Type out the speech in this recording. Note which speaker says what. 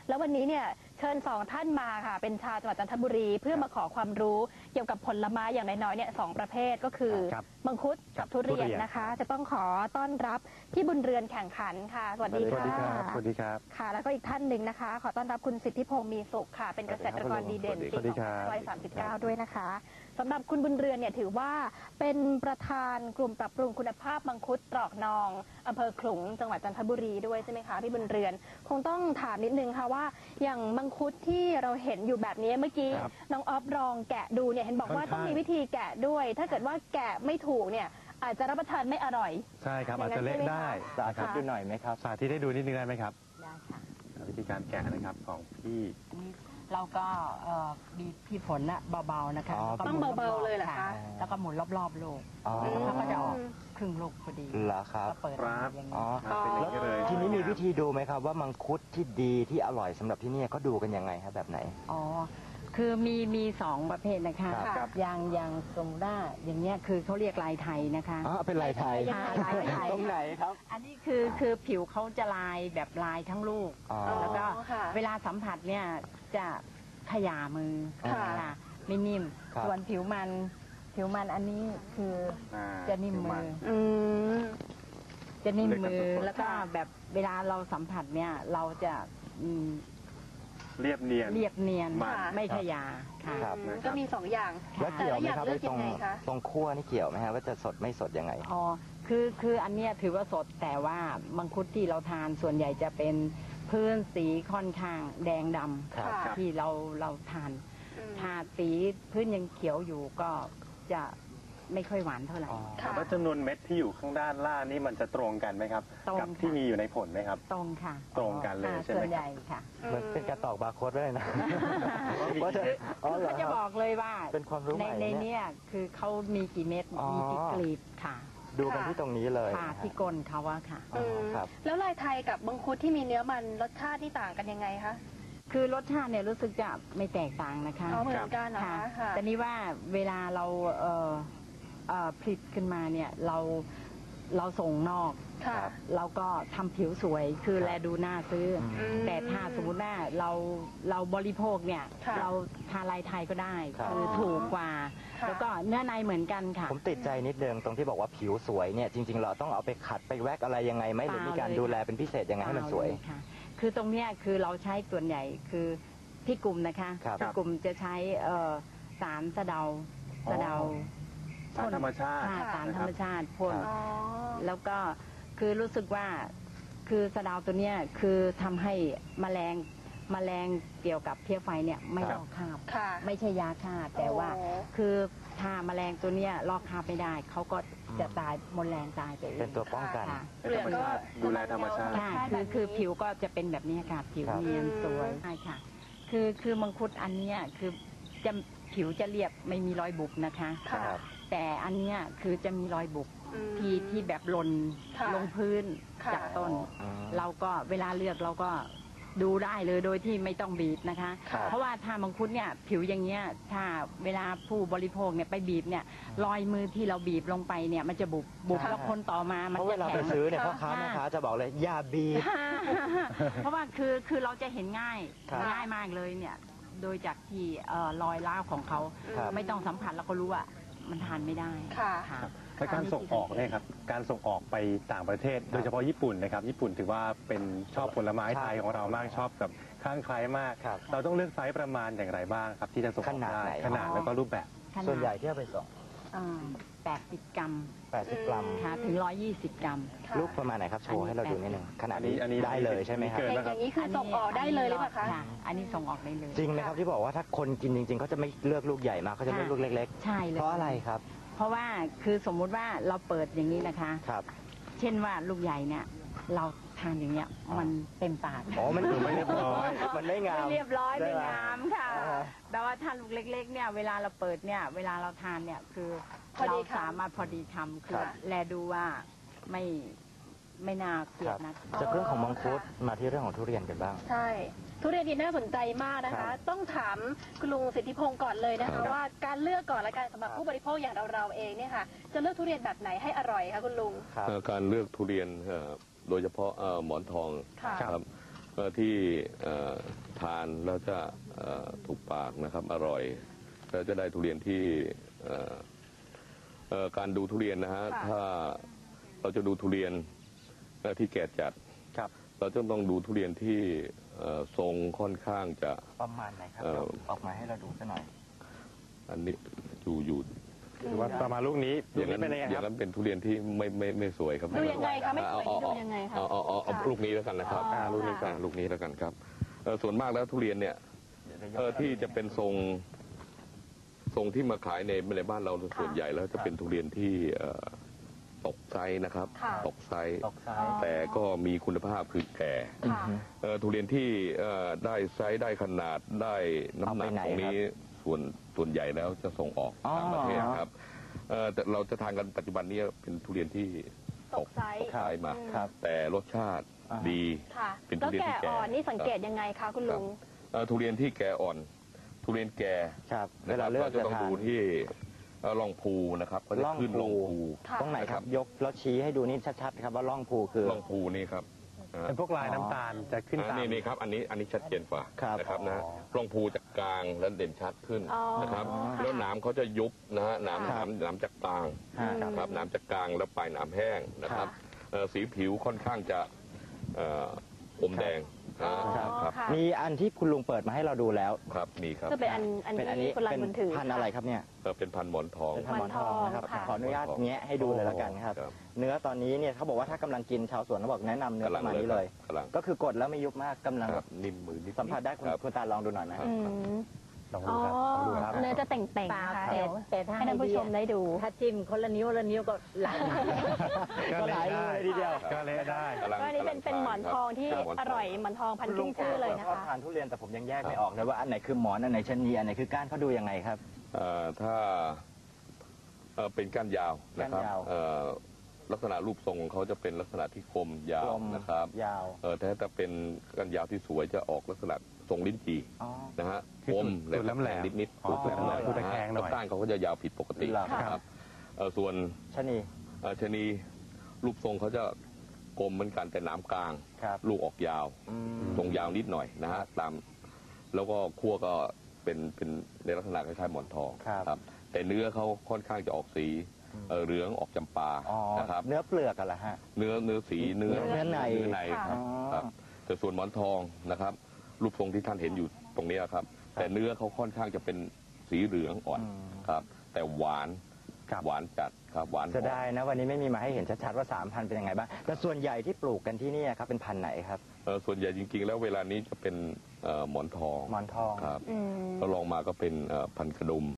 Speaker 1: แล้ววันนี้เนี่ยเชิญ2 ท่านมาค่ะเป็นชาวจังหวัดจันทบุรีเพื่อมาขอความรู้เกี่ยวกับผลไม้อย่างน้อยๆเนี่ย2 ประเภทก็คือมังคุดกับทุเรียนนะคะจะต้องขอต้อนรับพี่บุญเรือนแข่งขันค่ะสวัสดีค่ะ
Speaker 2: สวัสดีครับ
Speaker 1: ค่ะแล้วก็อีกท่านหนึ่งนะคะขอต้อนรับคุณสิทธิพงษ์มีสุขค่ะเป็นเกษตรกรดีเด่นปี2539ด้วยนะคะสำหรับคุณบุญเรือนเนี่ยถือว่าเป็นประธานกลุ่มปรับปรุงคุณภาพมังคุดตรอกนองอำเภอขลุงจังหวัดจันทบุรีด้วยใช่ไหมคะพี่บุญเรือนคงต้องถามนิดนึงค่ะว่าอย่างมังคุดที่เราเห็นอยู่แบบนี้เมื่อกี้น้องออฟลองแกะดูเนี่ยเห็นบอกว่าต้องมีวิธีแกะด้วยถ้าเกิดว่าแกะไม่ถูกเนี่ยอาจจะรับประทานไม่อร่อย
Speaker 2: ใช่ครับอาจจะเละได้
Speaker 3: สาธิตดูหน่อยไหมครับ
Speaker 2: สาธิตให้ดูนิดนึงได้ไหมครับ
Speaker 4: ได้ค่ะ
Speaker 2: วิธีการแกะนะครับของพี่
Speaker 4: เราก็มีพี่ผลนะเบาๆนะคะ
Speaker 1: ต้องเบาๆเลยเหรอคะ
Speaker 4: แล้วก็หมุนรอบๆโลกแล้วก็จะออกครึ่งลูกพอดี
Speaker 3: เหรอครับ
Speaker 4: ก็เปิดอย่างนี้
Speaker 3: แล้วทีนี้มีวิธีดูไหมครับว่ามังคุดที่ดีที่อร่อยสำหรับที่นี่เขาดูกันยังไงครับแบบไหน
Speaker 4: อ๋อคือมี2 ประเภทนะคะอย่างสมด้าอย่างเงี้ยคือเขาเรียกลายไทยนะคะ
Speaker 3: เป็นลายไทย
Speaker 4: ลายไทย
Speaker 3: ตรงไหนครับ
Speaker 4: อันนี้คือผิวเขาจะลายแบบลายทั้งลูกแล้วก็เวลาสัมผัสเนี่ยจะขยามือค่ะไม่นิ่มส่วนผิวมันอันนี้คือจะนิ่มมือจะนิ่มมือแล้วก็แบบเวลาเราสัมผัสเนี่ยเราจะ
Speaker 2: เรียบเนียน
Speaker 4: ไม่ขยาค่ะ
Speaker 1: ก็มี2 อย่าง
Speaker 3: แล้วเกี่ยวไหมครับตรงขั้วนี่เกี่ยวไหมฮะว่าจะสดไม่สดยังไง
Speaker 4: อ๋อคืออันเนี้ยถือว่าสดแต่ว่ามังคุดที่เราทานส่วนใหญ่จะเป็นพื้นสีค่อนข้างแดงดำที่เราทานถ้าสีพื้นยังเขียวอยู่ก็จะไม่ค่อยหวานเท่าไหร่
Speaker 2: แล้วจำนวนเม็ดที่อยู่ข้างด้านล่างนี่มันจะตรงกันไหมครับกับที่มีอยู่ในผลไหมครับ
Speaker 4: ตรงค่ะ
Speaker 2: ตรงกันเลยใช่ไหม
Speaker 4: ส่วนใหญ่ค่ะ
Speaker 3: เหมือนเป็นกระตอกบาร์โค้ดด้วยนะ
Speaker 4: เขาจะบอกเลยว่า
Speaker 3: เป็นความรู้ใหม่
Speaker 4: ในนี้คือเขามีกี่เม็ดมีกี่กลีบค่ะ
Speaker 3: ดูกันที่ตรงนี้เลย
Speaker 4: ค่ะที่ก้นเขาอะค่ะ
Speaker 1: แล้วลายไทยกับมังคุดที่มีเนื้อมันรสชาติที่ต่างกันยังไงคะ
Speaker 4: คือรสชาติเนี่ยรู้สึกจะไม่แตกต่างนะคะ
Speaker 1: เหมือนกันนะคะ
Speaker 4: แต่นี้ว่าเวลาเราผลิตขึ้นมาเนี่ยเราส่งนอกเราก็ทำผิวสวยคือแลดูน่าซื้อแต่ถ้าสมมติว่าเราบริโภคเนี่ยเราทานลายไทยก็ได้คือถูกกว่าแล้วก็เนื้อในเหมือนกันค่ะ
Speaker 3: ผมติดใจนิดเดิมตรงที่บอกว่าผิวสวยเนี่ยจริงๆเราต้องเอาไปขัดไปแว็กอะไรยังไงไหมหรือมีการดูแลเป็นพิเศษยังไงให้มันสวย
Speaker 4: ค่ะคือตรงเนี้ยคือเราใช้ส่วนใหญ่คือที่กลุ่มนะคะที่กลุ่มจะใช้สารสะเดา
Speaker 2: สารธรรมชาติ
Speaker 4: สารธรรมชาติพ่นแล้วก็คือรู้สึกว่าคือสะเดาตัวเนี้ยคือทำให้แมลงเกี่ยวกับเพี้ยไฟเนี่ยไม่ลอกคราบไม่ใช่ยาฆ่าแต่ว่าคือถ้าแมลงตัวเนี้ยลอกคราบไม่ได้เขาก็จะตายมดแรงตายไป
Speaker 3: เป็นตัวป้องกัน
Speaker 2: ดูแลธรรมชาติ
Speaker 4: คือผิวก็จะเป็นแบบนี้ค่ะผิวเนียนสวยใช่ค่ะคือมังคุดอันนี้คือจะผิวจะเรียบไม่มีรอยบุบนะคะแต่อันนี้คือจะมีรอยบุบที่แบบหล่นลงพื้นจากต้นเราก็เวลาเลือกเราก็ดูได้เลยโดยที่ไม่ต้องบีบนะคะเพราะว่าถ้ามังคุดเนี่ยผิวอย่างเงี้ยถ้าเวลาผู้บริโภคเนี่ยไปบีบเนี่ยรอยมือที่เราบีบลงไปเนี่ยมันจะบุบแล้วคนต่อมามันจะแข็ง
Speaker 3: เวลาไปซื้อเนี่ยพ่อค้าแม่ค้าจะบอกเลยอย่าบีบ
Speaker 4: เพราะว่าคือเราจะเห็นง่ายมากเลยเนี่ยโดยจากที่รอยร้าวของเขาไม่ต้องสัมผัสแล้วก็รู้ว่ามันทานไม่ได้
Speaker 1: ค่ะ
Speaker 2: และการส่งออกเนี่ยครับการส่งออกไปต่างประเทศโดยเฉพาะญี่ปุ่นนะครับญี่ปุ่นถือว่าเป็นชอบผลไม้ไทยของเรามากชอบกับข้างใครมากเราต้องเลือกไซส์ประมาณอย่างไรบ้างครับที่จะส่งออกได้ขนาดแล้วก็รูปแบบ
Speaker 3: ส่วนใหญ่ที่เอาไปส่ง
Speaker 4: 80 กรัม
Speaker 3: 80 กรัม
Speaker 4: ค่ะถึง120 กรัม
Speaker 3: ลูกประมาณไหนครับโชว์ให้เราดูนิดนึงขนาดนี้ได้เลยใช่ไหมครับ
Speaker 1: อย่างนี้คือส่งออกได้เลยหรือเปล่าคะ
Speaker 4: อันนี้ส่งออกได้เลย
Speaker 3: จริงไหมครับที่บอกว่าถ้าคนกินจริงๆเขาจะไม่เลือกลูกใหญ่มากเขาจะเลือกลูกเล็ก
Speaker 4: ๆใช่เลย
Speaker 3: เพราะอะไรครับ
Speaker 4: เพราะว่าคือสมมุติว่าเราเปิดอย่างนี้นะคะเช่นว่าลูกใหญ่เนี่ยเราทานอย่างเงี้ยมันเต็มปาก
Speaker 3: มันดูไม่เรียบร้อยมันไม่งาม
Speaker 4: เรียบร้อยไม่งามค่ะแต่ว่าถ้าลูกเล็กๆเนี่ยเวลาเราเปิดเนี่ยเวลาเราทานเนี่ยคือเราสามารถพอดีคำคือแลดูว่าไม่น่าเกลียดนะ
Speaker 3: จากเรื่องของมังคุดมาที่เรื่องของทุเรียนกันบ้าง
Speaker 1: ใช่ทุเรียนนี่น่าสนใจมากนะคะต้องถามคุณลุงสิทธิพงศ์ก่อนเลยนะคะว่าการเลือกก่อนและการสำหรับผู้บริโภคอย่างเราเองเนี่ยค่ะจะเลือกทุเรียนแบบไหนให้อร่อยคะคุณลุง
Speaker 5: การเลือกทุเรียนโดยเฉพาะหมอนทองครับที่ทานแล้วจะถูกปากนะครับ อร่อยแล้วจะได้ทุเรียนที่การดูทุเรียนนะฮะ
Speaker 1: ค่ะ
Speaker 5: ถ้าเราจะดูทุเรียนที่แก่จัด
Speaker 3: ครับ
Speaker 5: เราจะต้องดูทุเรียนที่ทรงค่อนข้างจะ
Speaker 3: ประมาณไหนครับ
Speaker 5: เอ่อ
Speaker 3: ออกมาให้เราดูสักหน่อย
Speaker 5: อันนี้อยู่
Speaker 2: หรือว่าประมาณลูกนี้
Speaker 5: อย่างนั้น
Speaker 2: เป็นยังไง
Speaker 5: อ
Speaker 2: ค
Speaker 5: ย่า
Speaker 2: รับ
Speaker 5: งนั้นเป็นทุเรียนที่ไม่สวยครับ
Speaker 1: ดูยังไงคะไม่สวยดูยังไงคะ
Speaker 5: เอาลูกนี้แล้วกันนะครับ
Speaker 1: อ๋อ
Speaker 5: ลูกนี้กัน
Speaker 1: ค่ะ
Speaker 5: ลูกนี้แล้วกันครับส่วนมากแล้วทุเรียนเนี่ยที่จะเป็นทรงที่มาขายในบ้านเราส่วนใหญ่แล้วจะเป็นทุเรียนที่ตกไซส์นะครับ
Speaker 1: ค่ะ
Speaker 5: ตกไซส์
Speaker 3: ตกซ้าย
Speaker 5: แต่ก็มีคุณภาพคือแก่
Speaker 1: ค่ะ
Speaker 5: ทุเรียนที่ได้ไซส์ได้ขนาดได้น้ำหนัก
Speaker 3: เอาไปไหน
Speaker 5: ตรงนี้ส่วนใหญ่แล้วจะส่งออก
Speaker 3: อ๋อ
Speaker 5: ต่างประเทศครับแต่เราจะทานกันปัจจุบันนี้เป็นทุเรียนที่
Speaker 1: ตกไซส์
Speaker 5: ตกไซส์มา
Speaker 3: ครับ
Speaker 5: แต่รสชาติ
Speaker 3: อ่า
Speaker 5: ดี
Speaker 1: ค่ะ
Speaker 5: เป็นทุ
Speaker 1: แล้ว
Speaker 5: เรียน
Speaker 1: แก่
Speaker 5: ที่แก่
Speaker 1: อ่อนนี่สังเกตยังไงคะคุณลุง
Speaker 5: ทุเรียนที่แก่อ่อน ทุเรียนแก่
Speaker 3: ครับ เว
Speaker 5: นะค
Speaker 3: ลา
Speaker 5: รับ
Speaker 3: เลือก
Speaker 5: เราจะ
Speaker 3: จะ
Speaker 5: ต้อง
Speaker 3: ทาน
Speaker 5: ดูที่ร่องภูนะครับเขาจะขึ้นร่องภู
Speaker 1: ค่ะ
Speaker 3: ตรงไหนครับ ยกแล้วชี้ให้ดูนี่ชัดๆครับว่าร่องภูคือ
Speaker 5: ร่องภูนี่ครับ
Speaker 2: เป็นพวกลายน้ำตาลจะขึ้นตาม
Speaker 5: นี่ครับอันนี้ชัดเจนกว่า
Speaker 3: ครับ
Speaker 5: นะครับนะ
Speaker 3: อ๋อ
Speaker 5: ร่องภูจากกลางแล้วเด่นชัดขึ้น
Speaker 1: อ๋อ
Speaker 5: นะครับ
Speaker 1: ค่ะ
Speaker 5: แล้วหนามเขาจะยุบนะฮะหนาม
Speaker 3: ครับ
Speaker 5: หนามจากกลาง
Speaker 3: ฮะ
Speaker 5: ครับหนามจากกลางแล้วปลายหนามแห้งนะครับสีผิวค่อนข้างจะอมแดง
Speaker 1: อ๋อ
Speaker 5: ครับ
Speaker 1: ค่ะ
Speaker 3: มีอันที่คุณลุงเปิดมาให้เราดูแล้ว
Speaker 5: ครับมีครับ
Speaker 1: ก็เป็นอัน
Speaker 3: เป็นอัน
Speaker 1: ที่
Speaker 3: นี้
Speaker 1: คุณรัน
Speaker 3: เป็น
Speaker 1: บุญถือ
Speaker 3: พันธุ์อะไรครับเนี่ย
Speaker 5: เป็นพันธุ์หมอนทอง
Speaker 3: เป็นพันธุ์หมอนทองนะครับ
Speaker 1: ค่ะ
Speaker 3: ขออนุญาตแงะให้ดูเลยแล้วกันครับ
Speaker 5: ครับ
Speaker 3: เนื้อตอนนี้เนี่ยเขาบอกว่าถ้ากำลังกินชาวสวนเขาบอกแนะนำเนื้อประมาณนี้เลย
Speaker 5: กำลัง
Speaker 3: ก็คือกดแล้วไม่ยุบมากกำลัง
Speaker 5: ครับนิ่มมือนิด
Speaker 3: สัมผัสได้คุณ
Speaker 5: รับ
Speaker 3: คุณตาลองดูหน่อยนะ
Speaker 1: อืม
Speaker 2: ลอง
Speaker 1: อ๋
Speaker 2: ดู
Speaker 1: อ
Speaker 2: ครับลองดูครับ
Speaker 1: เนื้อจะเต่ง
Speaker 4: เปล่า
Speaker 1: ๆค่ะ
Speaker 4: แต่
Speaker 1: เดี๋ยว
Speaker 4: แต่ถ้า
Speaker 1: ให้ท่านผู้ชมได้ดู
Speaker 4: ถ้าจิ้มคนละนิ้วละนิ้วก็ไหล
Speaker 3: ก็หลายมือเลยทีเดียว
Speaker 2: ก็เละได้
Speaker 5: กำลัง
Speaker 1: ก็อันนี้เป็นหมอนทองที่
Speaker 5: ครับหมนท
Speaker 1: อร่อยหมอนทองพันธุ์ขึ้นชื่อเลยนะ
Speaker 3: ชอบ
Speaker 1: คะ
Speaker 3: ทานทุเรียนแต่ผมยังแยกไม่ออกเลยว่าอันไหนคือหมอนอันไหนชะนีอันไหนคือก้านเขาดูยังไงครับ
Speaker 5: ถ้าเป็นก้านยาวนะครับ
Speaker 3: ก้านยาว
Speaker 5: ลักษณะรูปทรงของเขาจะเป็นลักษณะที่คมยาว
Speaker 3: กลม
Speaker 5: นะครับ
Speaker 3: ยาว
Speaker 5: แต่ถ้าเป็นก้านยาวที่สวยจะออกลักษณะทรงลิ้นจี่
Speaker 3: อ๋อ
Speaker 5: นะฮะ
Speaker 2: คือ
Speaker 5: คม
Speaker 2: จุดแหลมๆ
Speaker 5: นิด
Speaker 2: อ๋อ
Speaker 5: จุดแหลมๆ
Speaker 2: จุดตะแคงหน่อย
Speaker 5: แล้วก้านเขาก็จะยาวผิดปกติ
Speaker 3: เหรอ
Speaker 5: นะครับส่วน
Speaker 3: ชะนี
Speaker 5: ชะนีรูปทรงเขาจะกลมเหมือนกันแต่หนามกลาง
Speaker 3: ครับ
Speaker 5: ลูกออกยาว
Speaker 3: อืม
Speaker 5: ทรงยาวนิดหน่อยนะฮะตามแล้วก็คั่วก็เป็นในลักษณะคล้ายๆหมอนทอง
Speaker 3: ครับ
Speaker 5: แต่เนื้อเขาค่อนข้างจะออกสีเหลืองออกจำปา
Speaker 3: อ๋อ
Speaker 5: นะครับ
Speaker 3: เนื้อเปลือกกันเหรอฮะ
Speaker 5: เนื้อสีเนื้อ
Speaker 3: เนื้อใน
Speaker 5: ครับ
Speaker 3: อ๋อ
Speaker 5: ครับแต่ส่วนหมอนทองนะครับ รูปทรงที่ท่านเห็นอยู่ตรงนี้ครับ แต่เนื้อเขาค่อนข้างจะเป็นสีเหลืองอ่อน
Speaker 3: อืม
Speaker 5: ครับ แต่หวาน
Speaker 2: ครับ
Speaker 5: หวานจัดครับหวานหอม
Speaker 3: จะได้นะวันนี้ไม่มีมาให้เห็นชัดๆว่า3,000เป็นยังไงบ้างแต่ส่วนใหญ่ที่ปลูกกันที่นี่ครับเป็นพันธุ์ไหนครับ
Speaker 5: ส่วนใหญ่จริงๆ แล้วเวลานี้จะเป็นหมอนทอง
Speaker 3: หมอนทอง
Speaker 5: ครับ
Speaker 1: อืม
Speaker 5: ก็ลองมาก็เป็นพันธุ์กระดุม